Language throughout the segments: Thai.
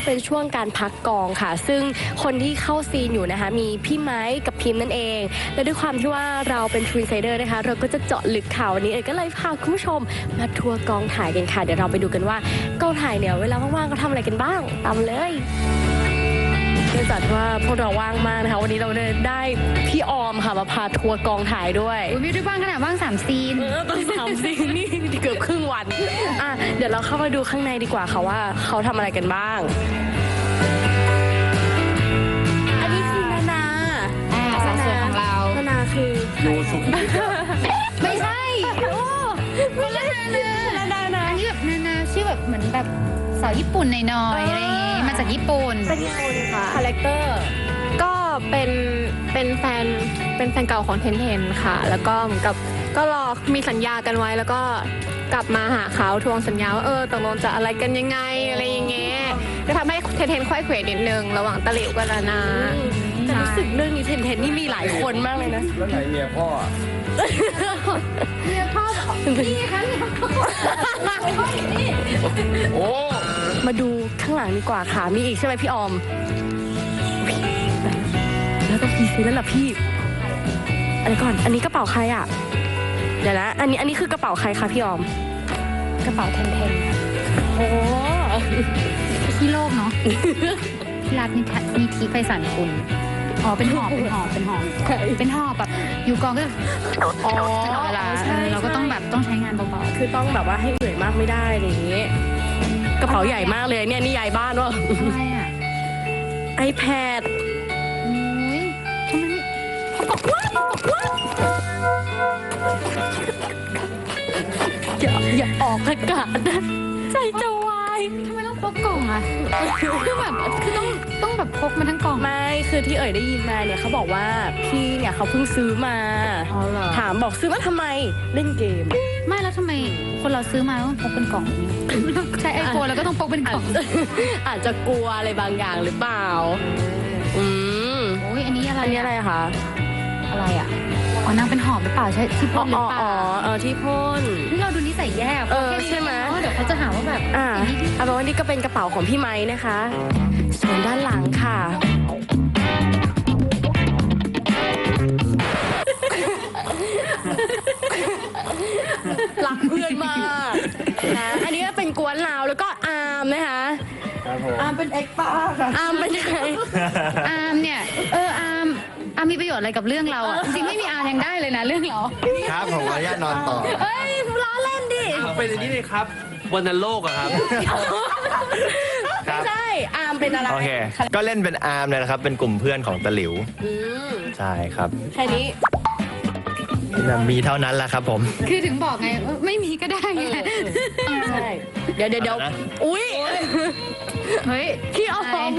เป็นช่วงการพักกองค่ะซึ่งคนที่เข้าซีนอยู่นะคะมีพี่ไม้กับพิมพ์นั่นเองและด้วยความที่ว่าเราเป็นทวินไซเดอร์นะคะเราก็จะเจาะลึกข่าววันนี้ก็เลยพาคุณผู้ชมมาทัวร์กองถ่ายกันค่ะเดี๋ยวเราไปดูกันว่ากองถ่ายเนี่ยเวลาว่างๆก็ทำอะไรกันบ้างตามเลยเนื่องจากว่าพวกเราว่างมากนะคะวันนี้เราได้พี่ออมค่ะมาพาทัวร์กองถ่ายด้วยไม่ได้ว่างขนาดว่าง3 ซีนต้อง3 ซีนนี่เกือบครึ่งวันเดี๋ยวเราเข้ามาดูข้างในดีกว่าค่ะว่าเขาทำอะไรกันบ้างอันนี้คือนานาสาวสวยของเรานานาคือดูสุขไม่ใช่ไม่ใช่นานาอันนี้แบบนานาชื่อแบบเหมือนแบบสาวญี่ปุ่นหน่อยๆอะไรอย่างงี้มาจากญี่ปุ่นเป็นยังไงคะคาแรคเตอร์ก็เป็นแฟนเก่าของเทนค่ะแล้วก็เหมือนกับก็รอมีสัญญากันไว้แล้วก็กลับมาหาเขาทวงสัญญาว่าตกลงจะอะไรกันยังไงอะไรอย่างเงี้ยก็ทำให้เทนค่อยเขวนิดนึงระหว่างตะหลิวกับนานาแต่รู้สึกเรื่องนี้เทนนี่มีหลายคนมากเลยนะแล้วไหนเมียพ่อเมียพ่อนี่ค่ะโอ้มาดูข้างหลังดีกว่าค่ะมีอีกใช่ไหมพี่ออมแล้วต้องพีซีแล้วล่ะพี่อะไรก่อนอันนี้กระเป๋าใครอ่ะเดี๋ยวนะอันนี้คือกระเป๋าใครคะพี่ออมกระเป๋าเทนโอ้ที่โลกเนาะที่รัฐนิธิไพศาลคุณเป็นหอบแบบอยู่กองก็เวลาเราก็ต้องแบบต้องใช้งานเบาๆคือต้องแบบว่าให้เหนื่อยมากไม่ได้อะไรอย่างนี้กระเป๋าใหญ่มากเลยเนี่ยนี่ใหญ่บ้านวะอะไรอ่ะ iPad ทำไมอย่าออกอากาศนะใจจะวายทำไมต้องพกกล่องอ่ะคือแบบคือต้องแบบพกมาทั้งกล่องไม่คือที่ได้ยินมาเนี่ยเขาบอกว่าพี่เนี่ยเขาเพิ่งซื้อมาถามบอกซื้อมาทำไมเล่นเกมไม่แล้วทำไมคนเราซื้อมาต้องพกเป็นกล่องใช้ไอโฟนแล้วก็ต้องพกเป็นกล่องอาจจะกลัวอะไรบางอย่างหรือเปล่าโอ้ยอันนี้อะไรคะอะไรอ่ะนางเป็นหอบหรือเปล่าใช่ที่พ่นหรือเปล่าที่พ่นนี่เราดูนิสัยแย่ใช่ไหมเดี๋ยวเขาจะหาว่าแบบเอาเป็นว่านี่ก็เป็นกระเป๋าของพี่ไม้นะคะส่วนด้านหลังค่ะรักเพื่อนมากนะอันนี้ก็เป็นกวนลาวแล้วก็อาร์มนะคะอาร์มเป็นเอ็กป้าค่ะอาร์มเป็นยังไงอาร์มเนี่ยอาร์มมีประโยชน์อะไรกับเรื่องเราอ่ะจริงไม่มีอาร์ยังได้เลยนะเรื่องเราครับผมขออนุญาตนอนต่อล้อเล่นดิเป็นอย่างนี้เลยครับวันนันโลกอะครับไม่ใช่อาร์มเป็นอะไรโอเคก็เล่นเป็นอาร์มเลยนะครับเป็นกลุ่มเพื่อนของตะหลิวใช่ครับแค่นี้มีเท่านั้นแหละครับผมคือถึงบอกไงไม่มีก็ได้ไงใช่เดี๋ยวอุ้ยเฮ้ยพี่ออม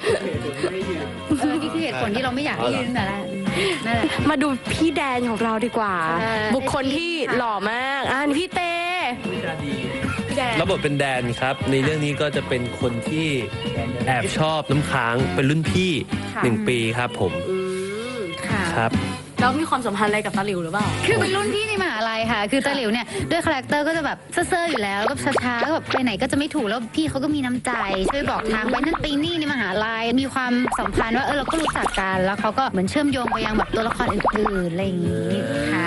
นี่คือเหตุผลที่เราไม่อยากให้ยืนแต่ละนั่นแหละมาดูพี่แดนของเราดีกว่าบุคคลที่หล่อมากนี่พี่เต้ระบบเป็นแดนครับในเรื่องนี้ก็จะเป็นคนที่แอบชอบน้ำค้างเป็นรุ่นพี่1 ปีครับผมครับแล้วมีความสัมพันธ์อะไรกับตาหลิวหรือเปล่าคือเป็นรุ่นพี่ในมหาลัยค่ะคือตาหลิวเนี่ยด้วยคาแรคเตอร์ก็จะแบบเซ่อๆอยู่แล้วแล้วก็ช้าๆแบบไปไหนก็จะไม่ถูกแล้วพี่เขาก็มีน้ำใจช่วยบอกทางไปนั่นไปนี่ในมหาลัยมีความสัมพันธ์ว่าเราก็รู้จักกันแล้วเขาก็เหมือนเชื่อมโยงไปยังแบบตัวละครอื่นๆอะไรอย่างนี้ค่ะ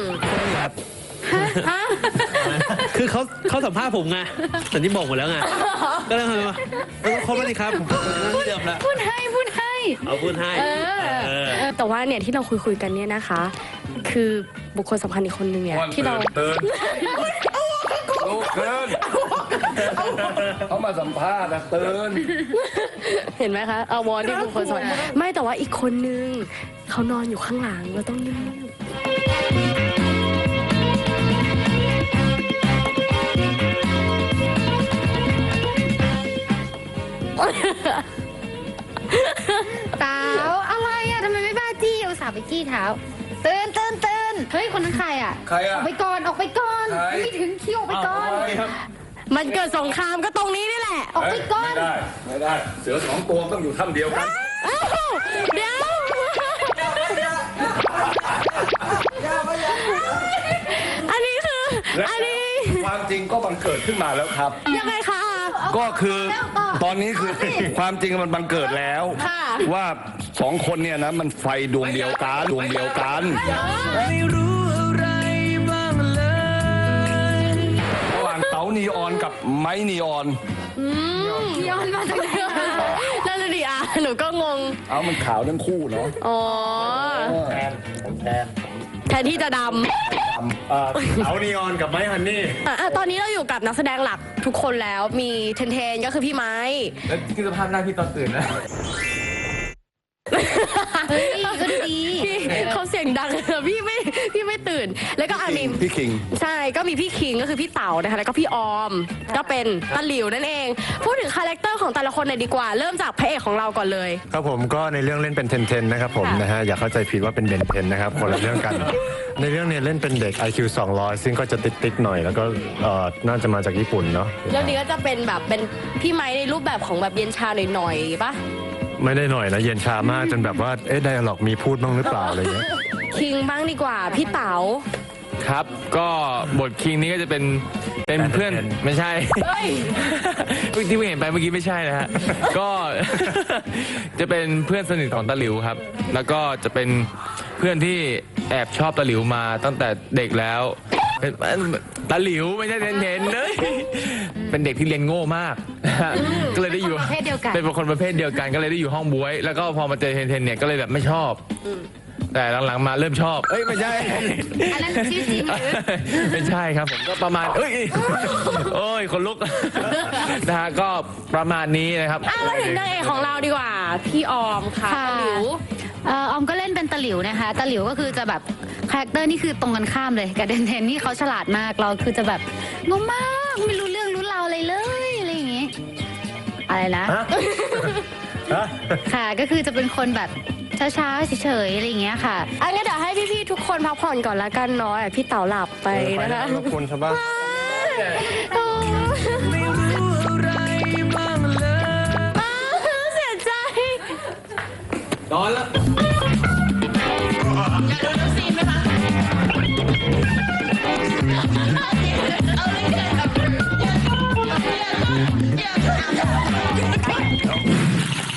คือเขาสัมภาษณ์ผมไงแต่ที่บอกหมดแล้วไงก็เลยมาครบแล้วนี่ครับพูดให้เอาพูดให้แต่ว่าเนี่ยที่เราคุยกันเนี่ยนะคะคือบุคคลสำคัญอีกคนนึงเนี่ยที่เราเตือนเขามาสัมภาษณ์นะเตือนเห็นไหมคะวอนที่บุคคลสำคัญไม่แต่ว่าอีกคนนึงเขานอนอยู่ข้างหลังเราต้องนิ่งเต๋าอะไรอะทำไมไม่บ้าจี้อุตส่าห์ไปจี้เท้าตื่นเฮ้ยคนนั้นใครอะใครอะออกไปก่อนไม่ถึงคิวออกไปก่อนมันเกิดสงครามก็ตรงนี้นี่แหละออกไปก่อนไม่ได้เสือ2 ตัวต้องอยู่ถ้ำเดียวกันเดี๋ยวอันนี้ความจริงก็บังเกิดขึ้นมาแล้วครับยังไงคะก็คือตอนนี้คือความจริงมันบังเกิดแล้วค่ะว่าสองคนเนี่ยนะมันไฟดวงเดียวกันดวงเดียวกันไม่รู้อะไรบ้างเลยระหว่างเต๋านีออนกับไม้นีออนย้อนมาจากไหนนั่นเลยดิอ่ะหนูก็งงเอามันขาวทั้งคู่เนาะอ๋อผมแทนแทนที่จะดเอานีออนกับไม้ฮันนี่ำตอนนี้เราอยู่กับนักแสดงหลักทุกคนแล้วมีเทนเทนก็คือพี่ไม้แล้วคือสภาพหน้าพี่ตอนตื่นนะเฮ้ยก็ดูดีพี่เขาเสียงดัง พี่ไม่ตื่น แล้วก็มีพี่คิงใช่ก็มีพี่คิงก็คือพี่เต๋านะคะแล้วก็พี่ออมก็เป็นตะหลิวนั่นเอง พูดถึงคาแรคเตอร์ของแต่ละคนหน่อยดีกว่า เริ่มจากพระเอกของเราก่อนเลยครับผมก็ในเรื่องเล่นเป็นเทนเทนนะครับผมค่ะนะฮะอย่าเข้าใจผิดว่าเป็นเบนเทนนะครับคนละเรื่องกัน ในเรื่องเนี้เล่นเป็นเด็ก IQ 200 ซึ่งก็จะติดๆหน่อยแล้วก็น่าจะมาจากญี่ปุ่นเนาะเรื่องนี้ก็จะเป็นแบบเป็นพี่ไม้ในรูปแบบของแบบเย็นชาหน่อยๆปะไม่ได้หน่อยนะเย็นชามากจนแบบว่าไดอะล็อกมีพูดบ้างหรือเปล่าอะไรเงี้ยคิงบ้างดีกว่าพี่เต๋าครับ ก็บทคิงนี้ก็จะเป็นเพื่อนไม่ใช่เฮ้ยที่เพิ่งเห็นไปเมื่อกี้ไม่ใช่นะฮะ ก็ จะเป็นเพื่อนสนิทของตาหลิวครับ แล้วก็จะเป็นเพื่อนที่แอบชอบตาหลิวมาตั้งแต่เด็กแล้วเป็นตาหลิวไม่ใช่เทนเลยเป็นเด็กที่เรียนโง่มาก ก็เลยได้อยู่ประเภทเดียวกันเป็นคนประเภทเดียวกันก็เลยได้อยู่ห้องบ๊วย แล้วก็พอมาเจอเทนเนี่ยก็เลยแบบไม่ชอบ แต่หลังๆมาเริ่มชอบ เอ้ยไม่ใช่อันนั้นชื่อจริงหรือไม่ใช่ครับผมก็ประมาณเอ้ยโอ้ยคนลุก นะฮะก็ประมาณนี้นะครับมาถึงนางเอกของเราดีกว่า พี่ออมค่ะค่ะตะหลิวออมก็เล่นเป็นตะหลิวนะคะตะหลิวก็คือจะแบบคาแรคเตอร์นี่คือตรงกันข้ามเลยกับเดนเทนนี่เขาฉลาดมากเราคือจะแบบงงมากไม่รู้เรื่องรู้ราวอะไรเลยอะไรอย่างงี้อะไรนะ ค่ะก็คือจะเป็นคนแบบช้าๆเฉยๆอะไรอย่างเงี้ยค่ะอันนี้เดี๋ยวให้พี่ๆทุกคนพักผ่อนก่อนละกันเนาะพี่เต๋าหลับไปนะคะรบกวนชาวบ้านไม่รู้อะไรบ้างเลยเสียใจนอนแล้วอยากดูน้ำซีนไหมคะ